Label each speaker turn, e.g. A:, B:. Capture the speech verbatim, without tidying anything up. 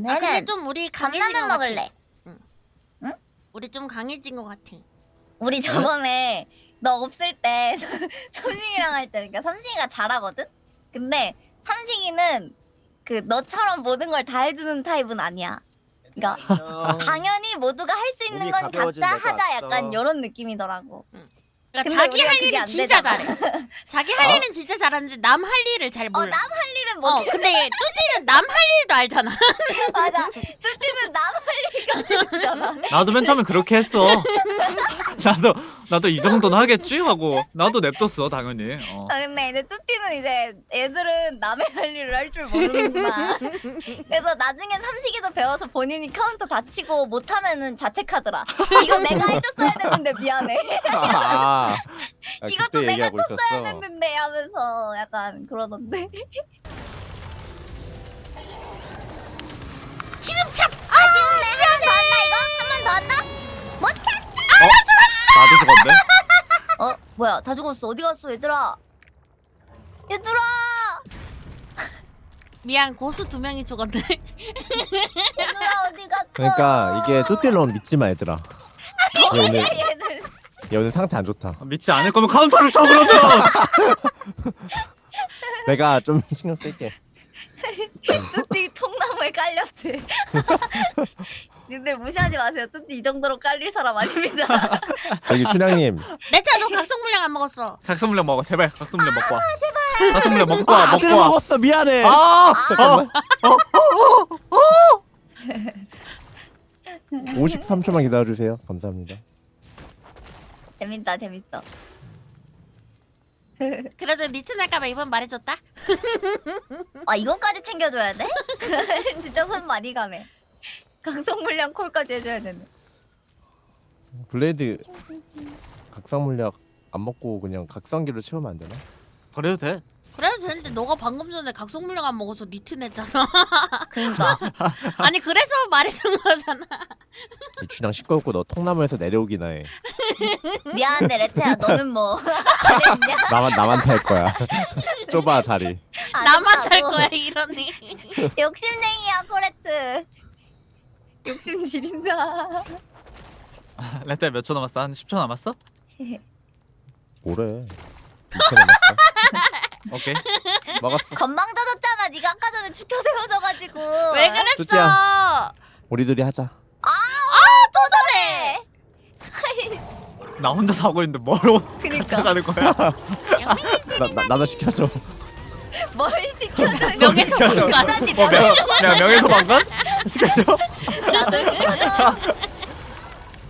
A: 아 근데
B: 오늘은
A: 좀 우리 강해진 것
B: 컵라면
A: 같아.
B: 먹을래.
A: 우리 좀 강해진 것 같아.
B: 우리 저번에 너 없을 때 삼식이랑 할 때, 그러니까 삼식이가 잘하거든. 근데 삼식이는 그 너처럼 모든 걸 다 해주는 타입은 아니야. 그러니까 당연히 모두가 할 수 있는
C: 몸이
B: 건
C: 가벼워진
B: 각자
C: 내가
B: 하자,
C: 왔어.
B: 약간 이런 느낌이더라고.
A: 그러니까
B: 근데
A: 자기
B: 우리가
A: 할
B: 그게
A: 일은
B: 안
A: 진짜
B: 되잖아.
A: 잘해. 자기 할 일은 진짜 잘하는데 남 할 일을 잘
B: 어,
A: 몰라.
B: 남 할 일은
A: 어,
B: 못 해.
A: 근데 뚜띠는 남 할 일도 알잖아.
B: 맞아. 뚜띠는 남 할 일까지 해주잖아.
D: 나도 맨 처음에 그렇게 했어. 나도 나도 이 정도는 하겠지 하고 나도 냅뒀어 당연히. 어.
B: 아, 근데 이제 뚜띠는 이제 애들은 남의 할 일을 할 줄 모르는구나. 그래서 나중에 삼식이도 배워서 본인이 카운터 다 치고 못하면은 자책하더라. 이거 내가 해줬어야 됐는데 미안해.
C: 아, 아
B: 이것도
C: 그때
B: 내가
C: 얘기하고
B: 쳤어야
C: 있었어.
B: 됐는데 하면서 약간 그러던데.
A: 지금 참.
B: 아쉬운데 한 번 더 한다 이거? 한 번 더 한다? 못 찾지?
D: 나도 죽었네.
B: 어? 뭐야 다 죽었어. 어디 갔어 얘들아? 얘들아!
A: 미안 고수 두 명이 죽었네.
B: 얘들아 어디 갔어?
C: 그러니까 이게 뚜띠론 믿지 마 얘들아. 얘 오늘
B: 얘는
C: 얘 오늘 상태 안 좋다.
D: 믿지 않을 거면 카운터를 쳐 그러면.
C: 내가 좀 신경 쓸게.
B: 뚜띠 통나무에 깔렸대. 님들 무시하지 마세요. 뚜띠 이 정도로 깔릴 사람 아닙니다.
C: 저기 춘향님
A: 내차 너 각성 물량 안 먹었어.
D: 각성물량 먹어 제발. 각성물량 먹고 와. 각성물량 먹고 와
C: 아, 그래
D: 먹고 와.
C: 먹었어 미안해.
D: 아
C: 잠깐만. 오십삼 초만 기다려주세요. 감사합니다.
B: 재밌다 재밌어.
A: 그래도 리트 날까봐 이번 말해줬다.
B: 아 이거까지 챙겨줘야 돼? 진짜 손 많이 가네. 강성 물량 콜까지 해줘야 되네.
C: 블레이드 각성 물약 안 먹고 그냥 각성기로 채우면 안 되나?
D: 그래도 돼.
A: 그래도 되는데 너가 방금 전에 각성 물량 안 먹어서 리트 냈잖아.
B: 그러니까
A: 아니 그래서 말해준 거잖아.
C: 이 춘향 시끄럽고 너 통나무에서 내려오기나 해.
B: 미안한데 레트야 너는 뭐 잘했냐?
C: 나만 나만 탈 거야. 좁아 자리.
A: 나만 탈 거야 이러니.
B: 욕심쟁이야 코레트. 욕심 지린다.
D: 레트 몇 초 남았어? 한 십 초 남았어?
C: 뭐래? 이 초 남았어.
D: 오케이.
C: 먹었어.
B: 건방 져졌잖아. 네가 아까 전에 죽혀 세워져가지고.
A: 왜 그랬어?
C: 뚜띠야. 우리 둘이 하자.
A: 또 저래.
D: 나 혼자 사고 있는데 뭘
B: 그니까
D: 가져가는 거야?
C: 나, 나 나도 시켜줘.
B: 뭘 시켜줘.
A: 명예훼손
D: 시켜줘.
A: 방관.
B: 인간이
D: 뭐 명, 명 명예훼손 방관? 시켜줘.
B: 나도 시켜줘.